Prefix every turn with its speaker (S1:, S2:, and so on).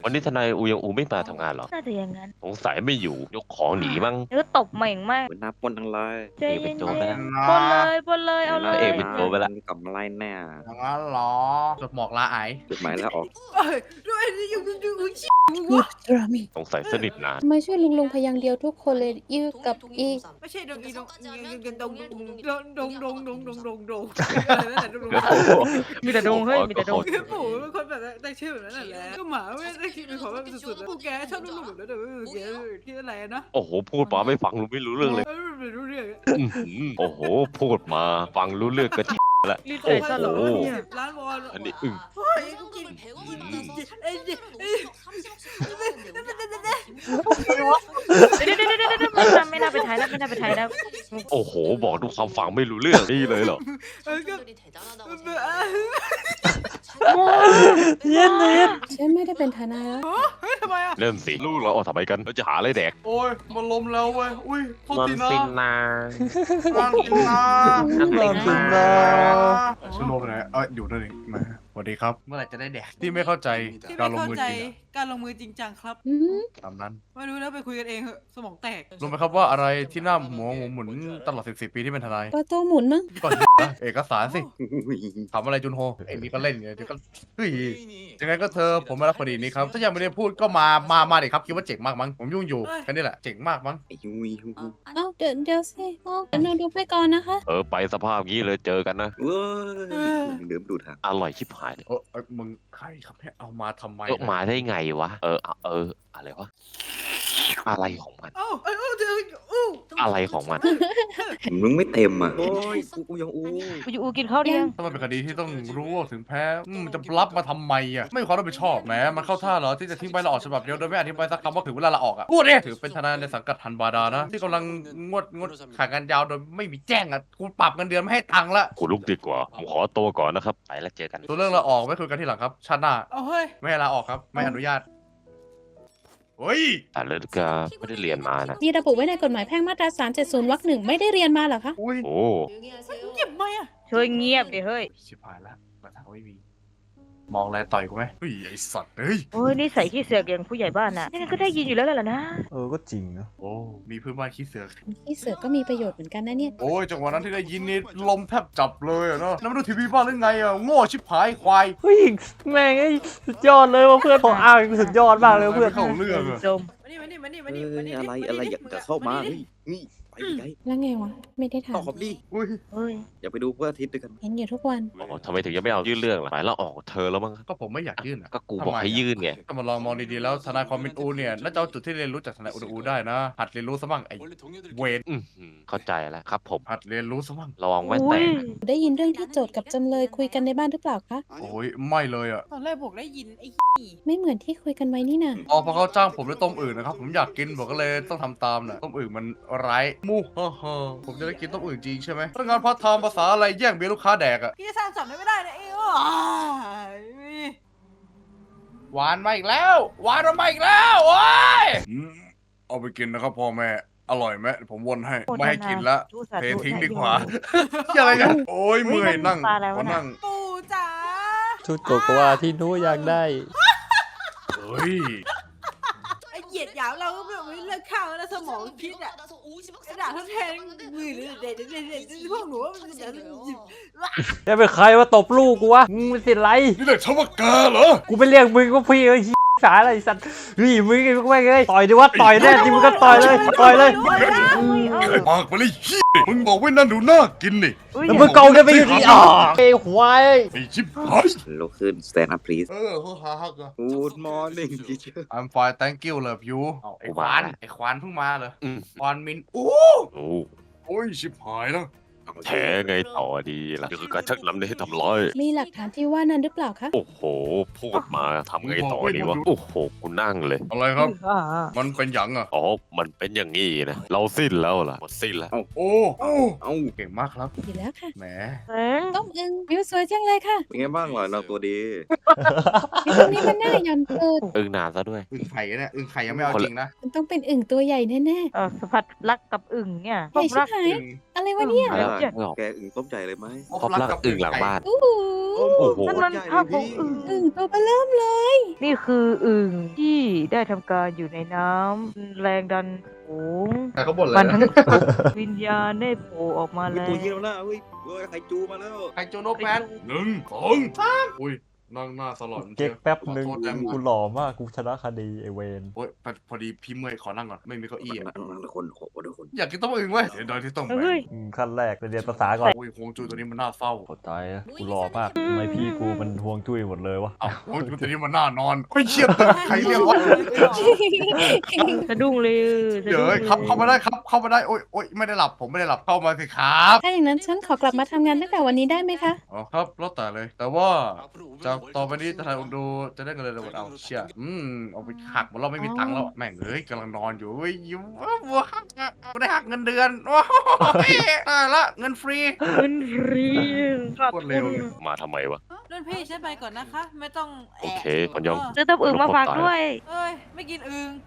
S1: วันนี้ทนายอูยังอูไม่มาทำงานเหรอ
S2: น่าจะอย่างนั้น
S1: สงสัยไม่อยู่ยกของหนีมั้ง
S2: เนื้อตบเหม่งมาก
S3: เป็นหน้าปนทั้งเลย
S2: ใจ
S1: เอกเป็น
S2: เย็น
S1: โจรไปแล้ว
S2: ๆปนเลยปนเลยเอาเล
S1: พระ
S2: ย
S1: เอกเป็นโจรไปแล้ว
S3: กลับมาไล่แน่
S4: อย่างนั้นเหรอจดหมอกลาไอ
S3: จดหมายแล้วออก
S5: ด้วยอยู่
S1: สงสัยสนิทนาน
S6: ทำไมช่วยลุงพยางค์เดียวทุกคนเลยอีกับอี
S5: ไม่ใช่ดงอีดงดงอะไรนั่นแหละดง
S2: มีแต่ดงเฮ้ยมีแต่ดง
S5: คือปู่เป็นคนแบบได้ชื่อแบบนั้นแหละก็หมาไม่ได้คิดเป็นของแบบสุดๆปู่แกชอบลูกแบบนั้นแกที่อะไรนะ
S1: โอ้โหพูดมาไม่ฟังรู้ไม่รู้เรื่องเลย
S5: ไม่รู้เรื่อง
S1: อื้อหือโอ้โหพูดมาฟังรู้เรื่องก็ละ
S2: รีบใส่ซะเหรอ
S1: โอ้โห
S2: เนี่ย
S5: ล้านวอน
S1: อันนี้อึ้ง
S5: โอ้ยกูกิน
S2: เดี๋ยวไม่น่าไปถ่ายแล้วไม่น่าไปถ่ายแล้ว
S1: โอ้โหบอกทุกความฟังไม่รู้เรื่องนี่เลยเหรอ
S6: เย็นเย็นฉันไม่ได้เป็นทนายแล้ว
S5: เฮ้ยทำไมอ่ะ
S1: เริ่มสิลูกเราเอาทำไมกันเราจะหาอะไรแดก
S4: โอ้ยมันลมแล้วเว้ยอุ้ยโทษทีนะ
S1: นา
S4: งานกินนะ
S7: สโนว์ไปไหนอยู่นั่นเองมาสวัสดีครับ
S4: เมื่อไหร่จะได้แดกที่ไม่เข้าใจ
S5: ที่
S4: การ
S5: ไม่
S4: ลง
S5: เข้า
S4: มือ
S5: ใจ
S4: จริงอะ
S5: การลงมือจริงจังครับ
S6: อืม
S4: ตามนั้น
S5: ไม่รู้แล้วไปคุยกันเองเหอะสมองแตก
S4: รู้ไหมครับว่าอะไรที่หน้าหมุนตลอด14 ปีที่เป็นทนาย
S6: ประตูหมุนมั้ง
S4: ก่อนเอกสารสิถามอะไรจุนโฮไอ้นี่ก็เล่นไงเดี๋ยวก็เฮ้ยยังไงก็เธอผมมารับคดีนี้ครับถ้ายังไม่ได้พูดก็มาดิครับคิดว่าเจ๋งมากมั้งผมยุ่งอยู่แค่นี้แหละเจ๋งมากมั้ง
S3: ไอ้ยุย
S6: เอ้าเดี๋ยวสิเดี๋ยวหนูดูไปก่อนนะคะ
S1: ไปสภาพงี้เลยเจอกันนะ
S3: เว้ยเดิมดูทาง
S1: อร่อยชิบหายเลย
S4: มึงใครครับเนี่ยเอามาทำไม
S1: มาได้ไงวะอะไรวะอะไรของมัน
S5: เอ้าเดี๋ยวอู้
S1: อะไรของมัน
S3: มึงไม่เต็มอ่ะโอ้ยกูยังอู้
S2: กูจะอูกินข้าวเดียง
S4: ถ้ามันเป็นคดีที่ต้องรู้ว่าถึงแพ้มันจะรับมาทำไมอ่ะไม่มีความรับผิดชอบแหมมันเข้าท่าเหรอที่จะทิ้งใบลาออกฉบับเดียวโดยไม่อธิบายสักคำว่าถึงเวลาลาออกอ่ะพูดดิถือเป็นทนายในสังกัดทันบาดานะที่กำลังงดขายงานยาวโดยไม่มีแจ้งอ่ะกูปรับเงินเดือนไม่ให้ตังค์ละ
S1: กูลุกดีกว่าผมขอตัวก่อนนะครับไปแล้วเจอกัน
S4: ตัวเรื่องลาออกไม่คุยกันที่หลังครับชาติหน้า
S5: เอาเฮ้ย
S4: ไม่ให้ลาออกครับไม่อนุญาตเฮ้ย
S1: แต่เลกาไม่ได้เรียนมานะ
S6: มีระบุไว้ในกฎหมายแพ่งมาตรา370 วรรค 1ไม่ได้เรียนมาเหรอคะ
S4: อุ้ย
S1: โอ้
S5: เก็บไหมอ่ะ
S2: ช่วยเงียบดิเฮ้ย
S4: ชิบหายละมาทางไม่มีมองอะไรต่อยกูไหมเฮ้ยไอสัตว์เฮ้ย
S2: โอ้ยนี่ใส่ขี้เสือกอย่างผู้ใหญ่บ้านน่ะยังไงก็ได้ยินอยู่แล้วแหละนะ
S7: ก็จริงนะ
S4: โอ้มีเพื่อนบ้านขี้เสือก
S6: ที่เสือก็มีประโยชน์เหมือนกันนะเนี่ย
S4: โอ้ยจังหวะนั้นที่ได้ยินนี่ลมแทบจับเลยอะเนาะแล้วมาดูทีวีบ้านหรือไงอะโง่ชิบหายควาย
S8: เฮ้ยแม่งไอ้สุดยอดเลยว่าเพื่อนของอ้างสุดยอดมากเลยเพื่อน
S4: เข้าเรื่องอะ
S2: จม
S3: อะไรอยากจะเข้ามาเฮ้ยนี่ไปไกล
S6: แล้วไงวะ ไม่ได้
S3: ต่อ
S6: ทำ
S3: ขอบดิ
S4: อุ้ย
S2: เฮ้ย
S3: อย่าไปดูเพื่ออาทิตย์ด้วยกัน
S6: เห็นอยู่ทุกวัน
S1: ทำไมถึงยังไม่เอายื่นเรื่องล่ะหมายเราออกเธอแล้วมั้ง
S4: ก็ผมไม่อยากยื่นอะ
S1: ก็กูบอกให้ยื่นไง
S4: ถ้ามาลองมองดีๆแล้วทนายความเป็นอูเนี่ยน่าจะเอาจุดที่เรียนรู้จากทนายอูได้นะหัดเรียนรู้ซะบ้างไอ้เวร
S1: เข้าใจแล้วครับผม
S4: หัดเรียนรู้ซะบ้าง
S1: ระวังแว่นแต
S2: อุ้ย
S1: ก
S6: ได้ยินเรื่องที่โจทย์กับจำเลยคุยกันในบ้านหรือเปล่าคะ
S4: โอ้ยไม่เลยอะ
S5: ตอนแรกบอกได้ยินไอ้
S6: ไม่เหมือนที่คุยกันไว้นี่นะ
S4: อ๋อพอเขาจ้างผมด้วยต้มอื่นนะครับผมอยากกินผมก็เลยต้องทำตามน่ะต้มอื่นมันไร้มูฮ่าฮ่าผมจะได้กินต้มอื่นจริงใช่ไหมพนักงานพาร์ทไทม์ภาษาอะไรแย่งเบียร์ลูกค้าแดกอะ
S5: พี่จะสร้างสรรค์ไม่ได้นะเอ้
S4: หวานมาอีกแล้วหวานมาอีกแล้วโอ้ยเอาไปกินนะครับพ่อแม่อร่อยไหมผมวนให้ไม่ให้กินละเททิ้งดีกว่าอะไรกันโอ้ยเมื่อยนั่งขอนั่ง
S5: ปู่จ๋า
S8: ชุดโกโกวาที่หนู้อยากได้
S4: เฮ้ย
S5: ไอ้เหยียดหยามเราก็แบบไม่เลิกข้าวแล้วสมองคิดอ่ะไอ้ด่าทดแทนมือหรือเด็ดพวกหนูว่ามันจะ
S8: จะเป็นใครว่าตบลูกกูวะมึงเป็นสิไร
S4: นี่เรียกฉันว่าแกเหรอ
S8: กูไปเรียกมึงว่าพี่ไอ้สายอะไรสัตว์เฮ้ยมึงไอ้พวกแม่งเอ้ยต่อยดิวะต่อยแน่จริงมึงก็ต่อยเลยต่อยเลย
S4: ไอ้ปากไปเลยมึงบอกไว้นั่นดูน่ากินนี่
S8: แล้วมึงเกากันไปอยู่ที่ไอ้ควาย
S4: ไอ้ชิบหาย
S3: ลุกขึ้น stand up please
S4: เขาหาฮักอะ
S3: Good morning teacher
S4: I'm fine thank you love you ไอ้ควานไอ้ควานเพิ่งมาเหรอควานมินโอ้
S1: โอ้
S4: โอ้ยชิบหายแล้ว
S1: แท้ไงต่อดีล่ะนี่คือการชักนำให้ทำร้าย
S6: มีหลักฐานที่ว่านั้นหรือเปล่าคะ
S1: โอ้โห พูดมาทำไงต่อดีวะ โอ้โห กูนั่งเลย
S4: อะไรครับ มันเป็นหยังอะ
S1: อ๋อ มันเป็นอย่างงี้นะ เราสิ้นแล้วล่ะ หมดสิ้นแล้ว
S4: โอ้โอ้
S3: เอ้า
S4: เก่งมากครับ
S6: อยู่แล้วค่ะ
S4: แหม
S2: เอ้ย
S6: ต้มอึงวิวสวยจังเลยค่ะ
S3: เป็นไงบ้างล่ะนางตัวดี
S6: วิวตรงนี้มันน่าหย่อนเกิน
S1: อึ้งนานซะด้วย
S4: อึ่งไข่เนี่ยอึ่งไข่ยังไม่เอาจริงนะ
S6: มันต้องเป็นอึ่งตัวใหญ่แน่
S2: สัมผัสรักกับอึ่งเนี่ย
S6: ใหญ่ชิบหาย
S4: อึ่ง
S6: ๆอะไรวะเนี่ย
S1: แล้วนึกไม่ออก
S3: แกอึ่งต้มใจเลยไหม
S1: พบรักอึ่งหลังบ้าน
S6: โอ้โห
S3: โอ้โห
S2: นั่นมัน
S3: ใหญ่
S2: ภาพ
S3: เล
S2: ของ
S3: ย
S2: อึ่ง
S6: อึ่งตัวเบลเริ่มเลย
S2: นี่คืออึ่งที่ได้ทำการอยู่ในน้ำแรงดันสูง
S4: แต่เขาบ่นเลย
S2: มัน
S4: นะ
S2: ทั้งตกวิญญาณได้โผล่ออกมา
S3: เฮ้ย
S2: แล้
S3: ตัว
S2: ว
S3: เยี่ยมแล้วเฮ้ยไข่จูมาแล้ว
S4: ไคโจโนแมน1 2 3อุ้ยนั่งหน้าสลอน
S8: เก๊กแป๊บหนึ่ง
S4: ขอโทษแทน
S8: กูหล่อมากกูชนะคดีไอเวน
S4: โอ้ยพอดีพี่เมื่อยขอนั่งก่อนไม่มีเก้าอี้อะ
S3: นั่งคนขอทุกคน
S4: อยากกินต้มอึ่งเว้ยเสียดายที่ต้องไป
S2: เฮ้ย
S8: ขั้นแรกไปเรียนภาษาก่อน
S4: โอ้ยฮวงจุ้ยตัวนี้มันน่าเศร้า
S8: โคตรตายนะกูหล่อมากทำไมพี่กูมันห่วงจุ้ยหมดเลยวะ
S4: เอ้าฮวงจุ้ยตัวนี้มันน่านอนเฮ้ยเชี่ยตึกใครเรียกว่า
S2: สะดุ้งเลยสะ
S4: เดี๋ยว
S2: ดุ้ง
S4: เอ้ยครับเข้ามาได้ครับเข้ามาได้โอ้ยไม่ได้หลับผมไม่ได้หลับเข้ามาสิครับ
S6: ถ้าอย่างนั้นฉันขอกลับมาทำงานตั้งแต่วันนี้ได้ไหมคะ
S4: อ๋อครับแล้วแต่เลย แต่ว่าจากต่อไปนี้จะทำดูจะได้เงินเดือนหมดเอาเชี่ยเอาไปหักหมดเราไม่มีตังค์แล้วแม่งเอ้ยกำลังนอนอยู่เฮ้ยยิ้มวัวหักกูได้หักเงินเดือนโอ้ยตายละเงินฟรี
S2: เงินฟรีขาด
S4: โคตรเร็วเลย
S1: มาทำไมวะ
S5: รุ่นพี่ฉันไปก่อนนะคะ ไม่ต้องแอบ
S1: โอเคคนยอม
S2: ซื้อต้มอึ่งมาฝากด้วย
S5: เอ้ยไม่กินอึ่ง